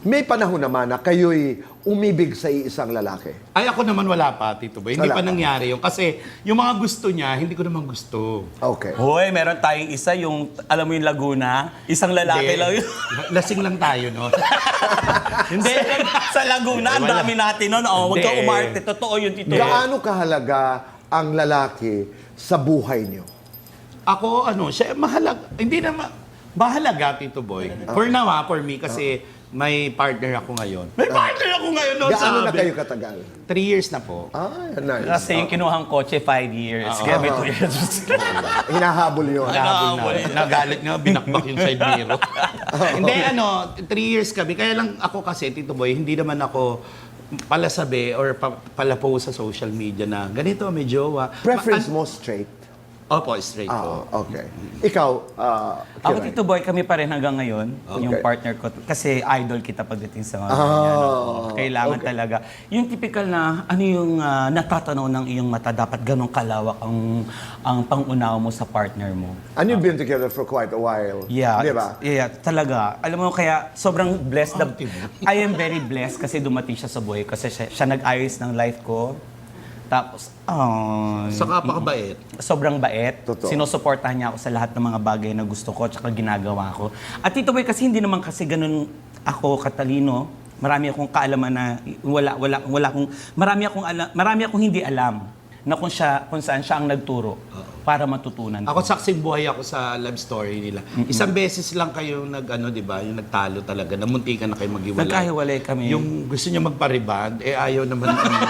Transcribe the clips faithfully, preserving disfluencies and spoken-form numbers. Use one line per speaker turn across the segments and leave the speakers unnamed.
May panahon naman na kayo'y umibig sa isang lalaki.
Ay, ako naman wala pa, Tito Boy. Hindi
Wala
pa
pa.
nangyari yun. Kasi yung mga gusto niya, hindi ko naman gusto.
Okay.
Hoy, meron tayong isa, yung, alam mo yung Laguna, isang lalaki
Hindi.
lang yun.
Lasing lang tayo, no?
Hindi, sa Laguna, ang
Wala.
dami natin nun. Oh, huwag ka
Hindi.
umarte, totoo yun, Tito.
Gaano kahalaga ang lalaki sa buhay niyo?
Ako, ano, siya, mahalag, hindi naman, mahalaga, Tito Boy. For now, ha, for me, kasi may partner ako ngayon. May partner ako ngayon, no?
Gaano na
sabi.
kayo katagal?
Three years na po.
Ah, nice.
Kasi yung kinuhang kotse, five years. Kaya may two years.
Hinahabol yun.
Nahabol
Nahabol.
na. Nagalit nga, binakbak yung side mirror. Hindi, ano, three years kami. Kaya lang ako kasi, Tito Boy, hindi naman ako palasabi or pa, palapost sa social media na ganito, may jowa.
Preference
Ma-
mo straight?
Opo, straight
Ah,
po.
okay. Ikaw, ah,
Ako,
Kiray?
Tito Boy, kami pa rin hanggang ngayon. Yung
Okay.
partner ko. Kasi idol kita pagdating sa mga
Ah,
ganyan, oo. Kailangan
okay.
talaga. Yung typical na, ano yung ah, natatanaw ng iyong mata, dapat ganong kalawak ang, ang pangunawa mo sa partner mo.
And you've been together for quite a while.
Yeah,
Di ba?
yeah, talaga. Alam mo, kaya sobrang blessed.
Oh,
na,
diba?
I am very blessed kasi dumating siya sa buhay ko. Kasi siya, siya nag-ayos ng life ko. Tapos, oh,
Saka pakabait.
sobrang bait.
Totoo.
Sinusuportahan niya ako sa lahat ng mga bagay na gusto ko at ginagawa ko. At Tito Boy, kasi hindi naman kasi ganun ako katalino. Marami akong kaalaman na wala wala wala akong marami akong alam, marami akong hindi alam na kung siya kung saan siya ang nagturo para matutunan.
Ako saksing buhay ako sa love story nila. Isang beses lang kayo nag ano, 'di ba? Yung nagtalo talaga, namuntikan na kayo maghiwalay.
Nagkahiwalay kami.
Yung gusto niya magpariband, eh ayaw naman.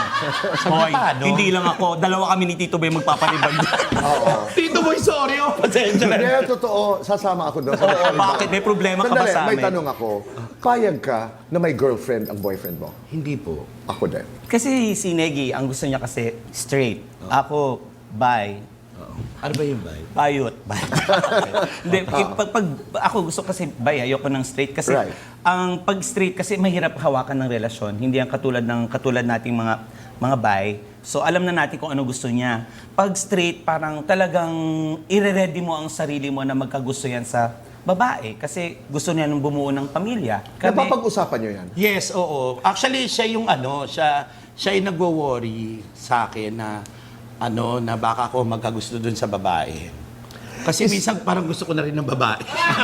Hoy,
Sagitado.
hindi lang ako. Dalawa kami ni Tito Boy magpapariband.
Oo.
Tito Boy, sorry oh. Pasensya na.
Hindi, totoo. Sasama ako doon.
Oo, bakit? May problema ka ba
Sandali,
sa
may
amin?
tanong ako. Payag ka na may girlfriend ang boyfriend mo?
Hindi po.
Ako din.
Kasi si Negi, ang gusto niya kasi straight. Ako, bi.
Ano ba yung vibe?
Bayot. Hindi, pag, pag, ako gusto kasi bi, ayoko ng straight. Kasi
Right.
ang pag straight kasi mahirap hawakan ng relasyon. Hindi ang katulad ng katulad nating mga mga bi. So alam na natin kung ano gusto niya. Pag straight, parang talagang ire-ready mo ang sarili mo na magkagusto yan sa babae. Kasi gusto niya nung bumuo ng pamilya.
Napapag-usapan nyo yan?
Yes, oo. Actually, siya yung ano, siya siya yung nagwo-worry sa akin na ano, na baka ako magkagusto dun sa babae. Kasi minsan parang gusto ko na rin ng babae.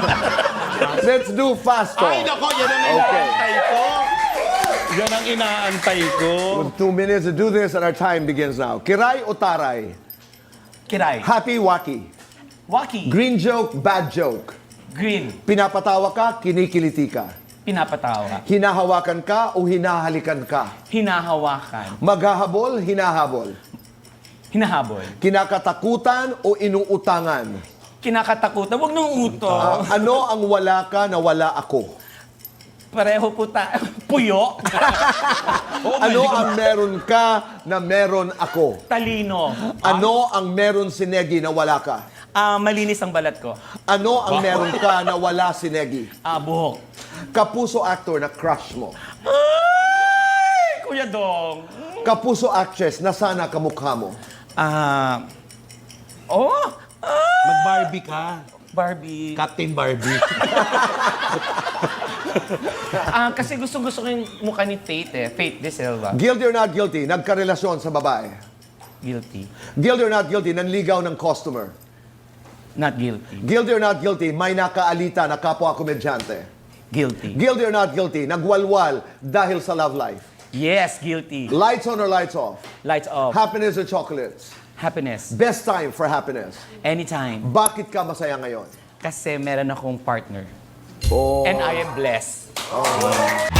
Let's do fast talk.
Ay, nako, yan ang
Okay.
inaantay ko. Yan ang inaantay ko.
With two minutes to do this and our time begins now. Kiray o taray?
Kiray.
Happy, wacky.
Waki.
Green joke, bad joke.
Green.
Pinapatawa ka, kinikiliti ka.
Pinapatawa.
Hinahawakan ka o hinahalikan ka.
Hinahawakan.
Maghahabol, hinahabol.
Hinahabol.
Kinakatakutan o inuutangan.
Kinakatakutan. Huwag nung uto.
Ah, ano ang wala ka na wala ako?
Pareho po ta... Puyo.
Ano ang meron ka na meron ako?
Talino.
Ano ang meron si Negi na wala ka?
Ah, malinis ang balat ko.
Ano ang meron ka na wala si Negi?
Ah, buhok.
Kapuso actor na crush mo.
Ay! Kuya Dong.
Kapuso actress na sana kamukha mo.
Ah... oh! Ah!
Mag-Barbie ka.
Barbie.
Captain Barbie.
Ah, kasi gusto-gusto ko yung mukha ni Faith eh. Faith De Silva.
Guilty or not guilty, nagkarelasyon sa babae.
Guilty.
Guilty or not guilty, nanligaw ng customer.
Not guilty.
Guilty or not guilty, may nakaalita na kapwa komedyante.
Guilty.
Guilty or not guilty, nagwalwal dahil sa love life.
Yes, guilty.
Lights on or lights off?
Lights off.
Happiness or chocolates?
Happiness.
Best time for happiness.
Anytime.
Bakit ka masaya ngayon?
Kasi meron akong partner.
Oh.
And I am blessed.